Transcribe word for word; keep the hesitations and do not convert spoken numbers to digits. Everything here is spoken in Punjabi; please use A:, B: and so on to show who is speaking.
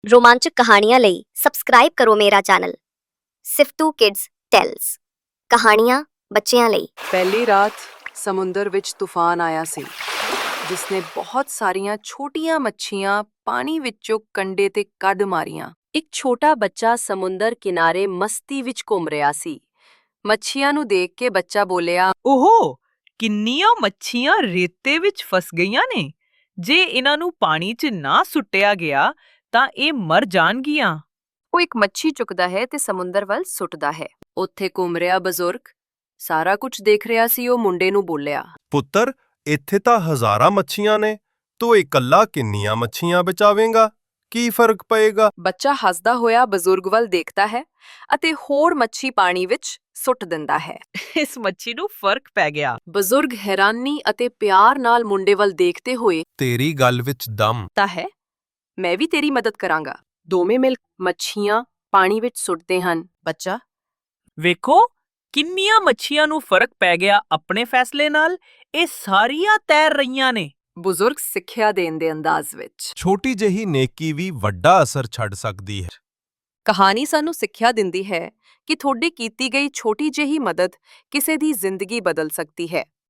A: ਰੋਮਾਂਚਕ ਕਹਾਣੀਆਂ ਲਈ ਸਬਸਕ੍ਰਾਈਬ ਕਰੋ ਮੇਰਾ ਚੈਨਲ ਸਿਫਤੂ ਕਿਡਜ਼ ਟੈਲਸ ਕਹਾਣੀਆਂ ਬੱਚਿਆਂ ਲਈ।
B: ਪਹਿਲੀ ਰਾਤ ਸਮੁੰਦਰ ਵਿੱਚ ਤੂਫਾਨ ਆਇਆ ਸੀ ਜਿਸ ਨੇ ਬਹੁਤ ਸਾਰੀਆਂ ਛੋਟੀਆਂ ਮੱਛੀਆਂ ਪਾਣੀ ਵਿੱਚੋਂ ਕੰਢੇ ਤੇ ਕੱਢ ਮਾਰੀਆਂ। ਇੱਕ ਛੋਟਾ ਬੱਚਾ ਸਮੁੰਦਰ ਕਿਨਾਰੇ ਮਸਤੀ ਵਿੱਚ ਘੁੰਮ ਰਿਹਾ ਸੀ। ਮੱਛੀਆਂ ਨੂੰ ਦੇਖ ਕੇ ਬੱਚਾ ਬੋਲਿਆ,
C: ਓਹੋ, ਕਿੰਨੀਆਂ ਮੱਛੀਆਂ ਰੇਤੇ ਵਿੱਚ ਫਸ ਗਈਆਂ ਨੇ। ਜੇ ਇਹਨਾਂ ਨੂੰ ਪਾਣੀ 'ਚ ਨਾ ਸੁੱਟਿਆ ਗਿਆ ਤਾਂ ਇਹ ਮਰ ਜਾਣਗੀਆਂ।
B: ਉਹ ਇੱਕ ਮੱਛੀ ਚੁੱਕਦਾ ਹੈ ਤੇ ਸਮੁੰਦਰ ਵੱਲ ਸੁੱਟਦਾ ਹੈ। ਉੱਥੇ ਘੁੰਮ ਰਿਹਾ ਬਜ਼ੁਰਗ ਸਾਰਾ ਕੁਝ ਦੇਖ ਰਿਹਾ ਸੀ। ਉਹ ਮੁੰਡੇ ਨੂੰ ਬੋਲਿਆ,
D: ਪੁੱਤਰ, ਇੱਥੇ ਤਾਂ ਹਜ਼ਾਰਾਂ ਮੱਛੀਆਂ ਨੇ, ਤੂੰ ਇਕੱਲਾ ਕਿੰਨੀਆਂ ਮੱਛੀਆਂ ਬਚਾਵੇਂਗਾ? ਕੀ ਫਰਕ ਪਏਗਾ?
B: ਬੱਚਾ ਹੱਸਦਾ ਹੋਇਆ ਬਜ਼ੁਰਗ ਵੱਲ ਦੇਖਦਾ ਹੈ ਅਤੇ ਹੋਰ ਮੱਛੀ ਪਾਣੀ ਵਿੱਚ ਸੁੱਟ ਦਿੰਦਾ ਹੈ।
C: ਇਸ ਮੱਛੀ ਨੂੰ ਫਰਕ ਪੈ ਗਿਆ।
B: ਬਜ਼ੁਰਗ ਹੈਰਾਨੀ ਅਤੇ ਪਿਆਰ ਨਾਲ ਮੁੰਡੇ ਵੱਲ ਦੇਖਦੇ ਹੋਏ
D: ਤੇਰੀ ਗੱਲ ਵਿੱਚ ਦਮ
B: ਤਾਂ ਹੈ, ਮੈਂ ਵੀ ਤੇਰੀ ਮਦਦ ਕਰਾਂਗਾ। ਦੋਵੇਂ ਮਿਲ ਮੱਛੀਆਂ ਪਾਣੀ ਵਿੱਚ ਸੁੱਟਦੇ ਹਨ। ਬੱਚਾ,
C: ਵੇਖੋ ਕਿੰਨੀਆਂ ਮੱਛੀਆਂ ਨੂੰ ਫਰਕ ਪੈ ਗਿਆ ਆਪਣੇ ਫੈਸਲੇ ਨਾਲ। ਇਹ ਸਾਰੀਆਂ ਤੈਰ ਰਹੀਆਂ ਨੇ।
B: ਬਜ਼ੁਰਗ ਸਿੱਖਿਆ ਦੇਣ ਦੇ ਅੰਦਾਜ਼ ਵਿੱਚ।
D: ਛੋਟੀ ਜਿਹੀ ਨੇਕੀ ਵੀ ਵੱਡਾ ਅਸਰ ਛੱਡ ਸਕਦੀ ਹੈ।
B: ਕਹਾਣੀ ਸਾਨੂੰ ਸਿੱਖਿਆ ਦਿੰਦੀ ਹੈ ਕਿ ਤੁਹਾਡੀ ਕੀਤੀ ਗਈ ਛੋਟੀ ਜਿਹੀ ਮਦਦ ਕਿਸੇ ਦੀ ਜ਼ਿੰਦਗੀ ਬਦਲ ਸਕਦੀ ਹੈ।